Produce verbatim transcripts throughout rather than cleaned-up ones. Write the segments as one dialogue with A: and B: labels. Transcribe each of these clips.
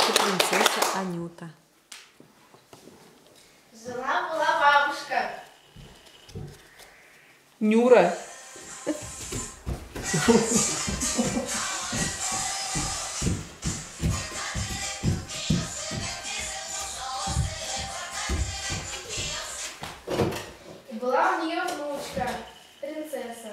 A: наша принцесса Анюта.
B: Жила-была бабушка.
A: Нюра.
B: И была у нее внучка, принцесса.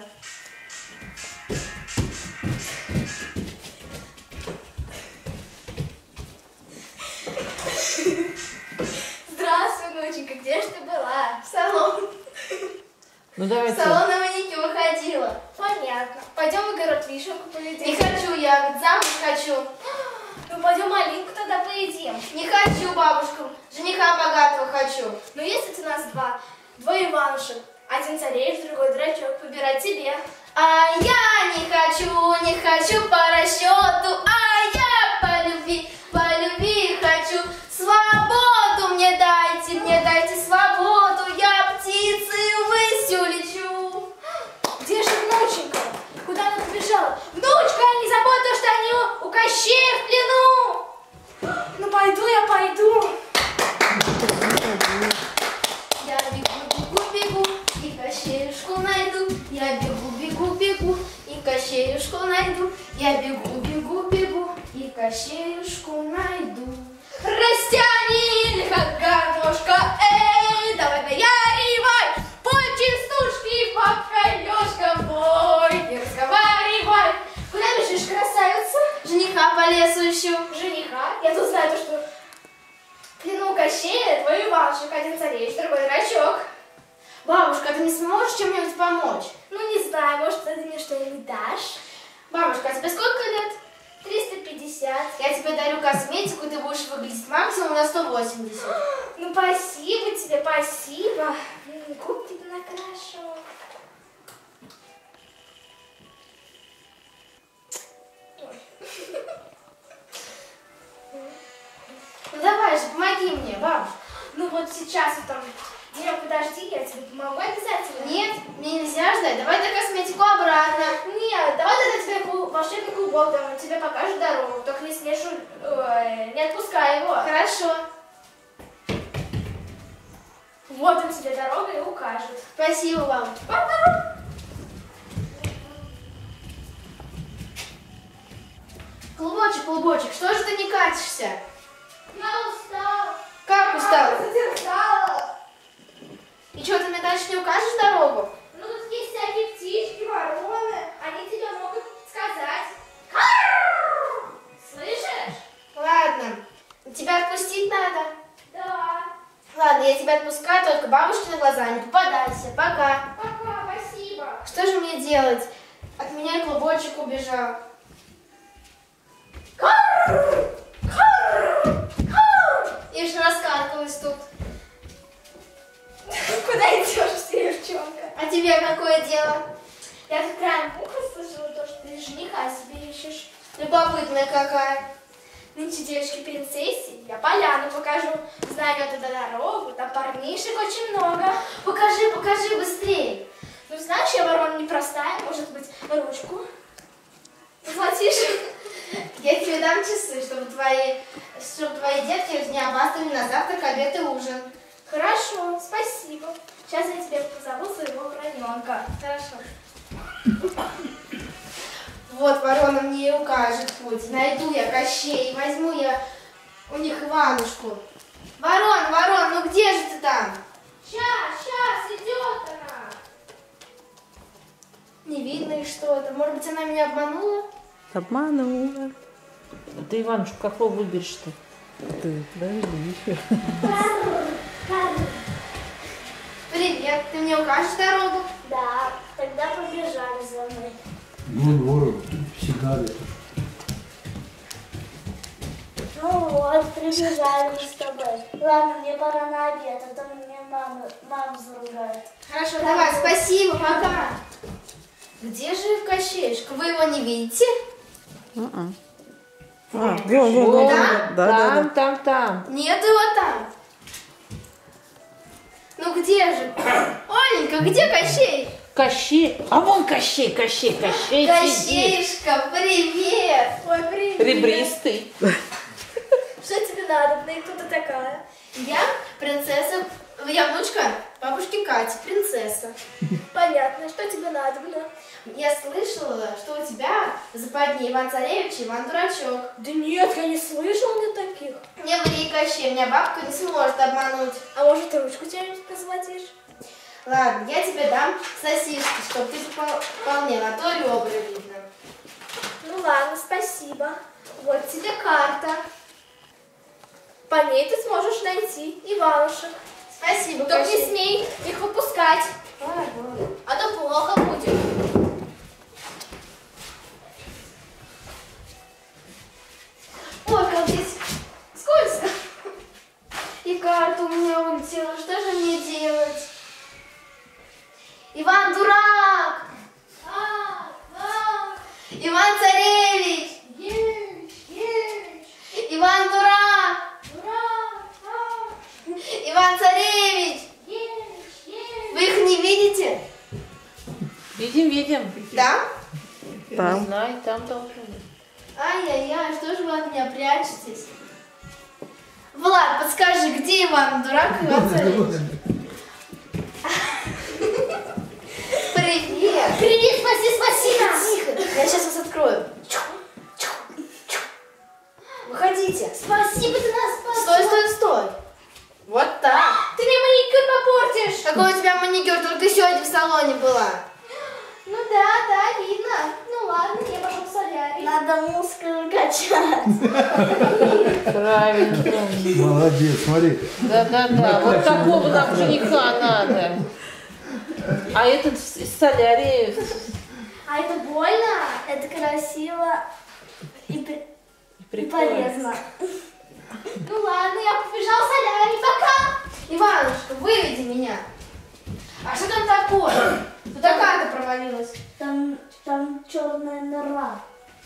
B: Здравствуй, внученька, где же ты была? В салон.
A: Ну
B: В
A: давайте.
B: салон на маникюр ходила. Понятно. Пойдем в огород вишенку поедим. Не хочу я, замуж хочу. Ну пойдем малинку тогда поедим. Не хочу, бабушка. Жениха богатого хочу. Ну есть у нас два. Двое Иванушек. Один царевич, другой дурачок. Выбирай тебе. А я не хочу, не хочу по расчету. А я по любви, по любви хочу. Свободу мне дайте, мне дайте свободу. Я птицей ввысь улечу. Где же внученька? Куда она побежала? Внучка, не забудь то, что они у Кощея в плену. Ну пойду я, пойду. Я бегу, бегу, бегу, и Кощеюшку найду. Я бегу, бегу, бегу, и Кощеюшку найду. Я бегу, бегу, бегу, и Кощеюшку найду. Растяни, как гармошка, эй, давай наяривай, пой частушки под колёшком, бой, не разговаривай. Куда бежишь, красавица? Жениха по лесу ищу. Жениха? Я тут знаю то, что в плену Кощея твой Иванушек, один царевич, другой дурачок. Бабушка, ты не сможешь чем-нибудь помочь? Ну, не знаю, может, ты мне что-нибудь дашь? Бабушка, а тебе сколько лет? триста пятьдесят. Я тебе дарю косметику, ты будешь выглядеть максимум на сто восемьдесят. Ну, спасибо тебе, спасибо. Губ тебе накрашу. Ну, давай же, помоги мне, бабушка. Ну, вот сейчас вот там... Димка, подожди, я тебе помогу обязательно. Нет, мне нельзя ждать. Давай ты косметику обратно. Нет, давай тогда тебе клуб, волшебный клубок, там, он тебе покажет дорогу. Только не смешу, ой, не отпускай его. Хорошо. Вот он тебе дорога и укажет. Спасибо вам. Клубочек, клубочек, что же ты не катишься? Я устала. Как устала? Я задержала. И что, ты мне дальше не укажешь дорогу? Ну, тут есть всякие птички, вороны. Они тебе могут сказать. Карр! Слышишь? Ладно. Тебя отпустить надо? Да. Ладно, я тебя отпускаю, только бабушке на глаза не попадайся. Пока. Пока, спасибо. Что же мне делать? От меня клубочек убежал. Карр! Карр! Карр! Я же раскаркалась тут. Куда идешь, девчонка? А тебе какое дело? Я тут краем уха слышала то, что ты жениха себе ищешь. Любопытная какая. Нынче девочки принцессе, я поляну покажу. Знаю я туда дорогу, там парнишек очень много. Покажи, покажи быстрее. Ну, знаешь, я ворона непростая, может быть, ручку. Заплатишь? Я тебе дам часы, чтобы твои, чтобы твои детки не опаздывали на завтрак, обед и ужин. Хорошо, спасибо. Сейчас я тебе позову своего вороненка. Хорошо. Вот ворона мне и укажет путь. Найду я Кощей, возьму я у них Иванушку. Ворон, ворон, ну где же ты там? Сейчас, сейчас, идет она. Не видно и что-то. Может быть, она меня обманула?
A: Обманула.
C: А ты, Иванушка, какого выберешь-то?
A: Ты, подожди еще.
B: Привет, ты мне укажешь дорогу?
D: Да, тогда побежали за мной.
E: Ну, здорово, всегда это.
D: Ну вот, прибежали мы с тобой. Ладно, мне пора на обед, а то мне мама, мама заругает.
B: Хорошо, давай, спасибо, пока. Где же Кощеюшка? Вы его не видите?
A: А, вон, вон, вон.
B: Да?
A: Да, да,
C: Там,
A: да.
C: там, там.
B: Нет его там. Ну где же? Оленька, где Кощей?
C: Кощей. А вон Кощей, Кощей, Кощей сидит.
B: Кощеюшка, привет. Ой, привет.
C: Ребристый.
B: Что я внучка бабушки Кати, принцесса.
D: Понятно, что тебе надо, да?
B: Я слышала, что у тебя в западне Иван Царевич и Иван Дурачок.
D: Да нет, я не слышал ни таких.
B: Не ври, Кощей, меня бабка не сможет обмануть.
D: А может, ты ручку тебе посмотришь?
B: Ладно, я тебе дам сосиски, чтобы ты попол- вполне на то ребра видно.
D: Ну ладно, спасибо. Вот тебе карта. По ней ты сможешь найти Иванушек.
B: Спасибо,
D: Только не
B: Кощей.
D: смей их выпускать,
B: Ладно.
D: а то плохо будет.
B: Ой, как здесь скользко. И карта у меня улетела. Что же мне делать? Иван дурак!
D: А, а,
B: Иван Царевич!
D: есть, есть,
B: Иван дурак!
D: ура, а,
B: Иван Царевич!
D: есть, есть.
B: Вы их не видите?
C: Видим, видим.
B: Да?
C: Не
A: Там.
C: знаю, там должны быть.
B: Ай-яй-яй, что же вы от меня прячетесь? Влад, подскажи, где Иван дурак и Иван Царевич? Привет!
D: Привет, спаси, спаси нас!
B: Тихо, я сейчас вас открою. Выходите.
D: Спасибо, ты нас спас.
B: Стой, стой, стой. Вот так.
D: Ты мне маникюр попортишь.
B: Какой у тебя маникюр? Только сегодня в салоне была.
D: Ну да, да, видно. Ну ладно, я пошел в солярий. Надо мускулы качать.
C: Правильно.
E: Молодец, смотри.
C: Да-да-да. Вот такого нам жениха надо. А этот из солярии.
D: А это больно? Это красиво и, при- и
C: Прикольно.
D: полезно. Ну ладно, я побежал в солярий. Пока!
B: Иванушка, выведи меня. А что там такое? Туда карта провалилась.
D: Там, там черная нора.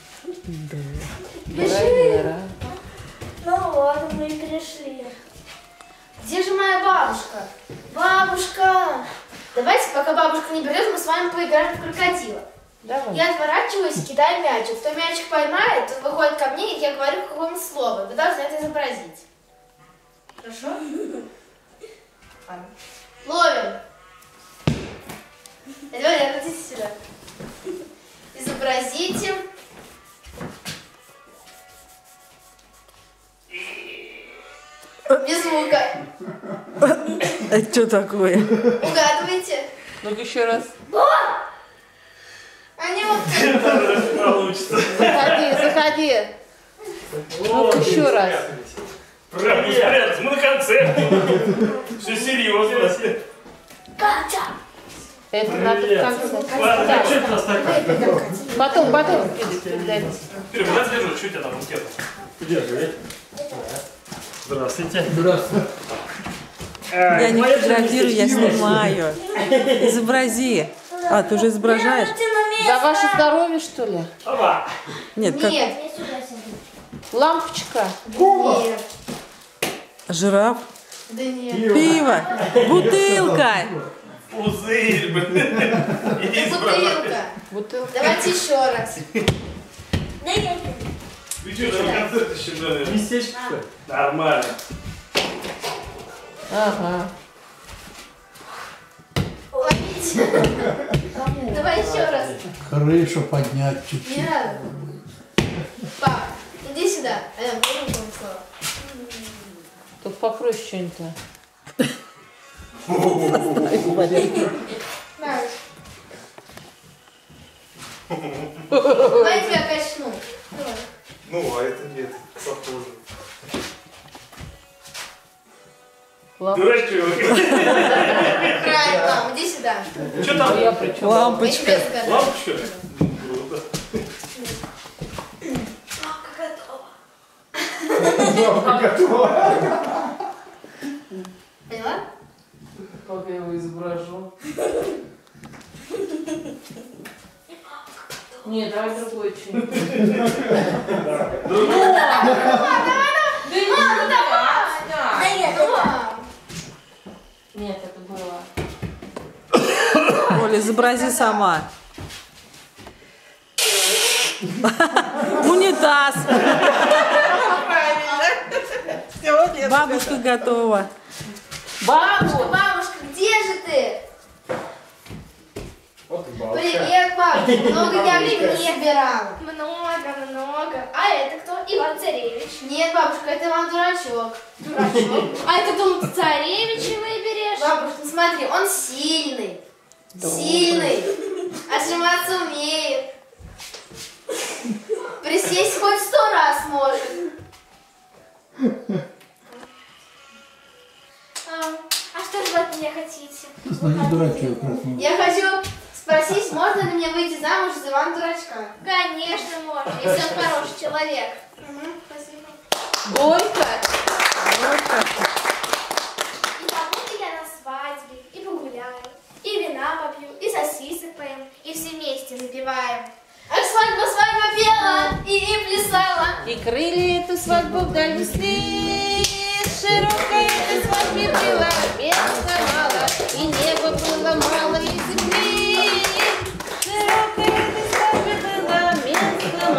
C: Бежи.
D: Ну вот, мы и пришли.
B: Где же моя бабушка? Бабушка! Давайте, пока бабушка не придет, мы с вами поиграем в крокодила.
C: Давай.
B: Я отворачиваюсь и кидаю мячик. Кто мячик поймает, тот выходит ко мне, и я говорю какое-нибудь слово. Вы должны это изобразить. Хорошо? Ладно. Ловим. Давай, вернитесь сюда. Изобразите. Без звука.
A: Это что такое?
B: Угадывайте.
C: Ну-ка еще раз.
B: Они вот...
F: Получится.
C: Заходи, заходи. Ну-ка еще раз.
F: Правильно, спрятать. Мы на концерте. Все серьезно.
D: Катя!
C: Это надо в конце.
F: Ладно,
C: Так,
F: что это у нас такое?
C: потом, потом передайте.
F: Юрий, куда держу? Что у тебя там букет? Держи. Здравствуйте.
E: Здравствуй.
A: Я не фотографирую, я снимаю. Изобрази. А, ты уже изображаешь?
C: За ваше здоровье, что ли?
F: Опа.
A: Нет, как
B: Нет.
D: Я сюда сяду.
C: Лампочка.
B: Нет.
A: жираф.
B: Да нет.
A: Пиво. Бутылка.
F: Пузырь, блин. И
B: Бутылка.
C: Бутылка.
B: Давайте еще раз.
D: Да я
F: Вы что, на концерт еще дали? Местечко, что ли? Нормально.
C: Ага.
B: Ловите. Давай еще раз.
E: Крышу поднять чуть-чуть.
B: Не надо. Пап, иди сюда. Ален, говори вам слово.
C: Только покрой что-нибудь.
B: На. Давай тебя качну. Давай.
F: Ну, а это нет, похоже.
C: Лампочка.
F: Дурачок.
B: Правильно, мам, иди сюда.
F: Что там?
C: Я при чем?
B: Мы
A: Лампочка.
B: тебе сказали.
F: Лампочка? Круто.
B: Поняла?
C: Как я его изображу? Нет, давай другой что-нибудь.
D: Да нет, это...
C: Нет, это было.
A: Оля, изобрази сама. Унитаз. Бабушка готова.
B: Бабушка, бабушка, где же ты?
F: Вот и бабушка.
B: Привет, бабушка. Много я времени собирала.
D: Много, много. А это кто? Иван Царевич.
B: Нет, бабушка, это вам дурачок.
D: Дурачок. А это думал, ты царевича выберешь?
B: Бабушка, ну смотри, он сильный. Сильный. Отжиматься умеет. Присесть хоть сто раз может.
D: А, а что же вы от меня хотите?
E: Ну, не дурачок, красный.
B: Я хочу спросить, можно ли мне выйти замуж за Ивана Дурачка?
D: Конечно, можно, если он хороший человек. Угу, спасибо.
C: Горько.
D: И побуду я на свадьбе, и погуляю, и вина попью, и сосисок поем, и все вместе запиваем.
B: А свадьба, свадьба пела и, и плясала.
C: И крылья эту свадьбу вдаль несли, широкая эта свадьба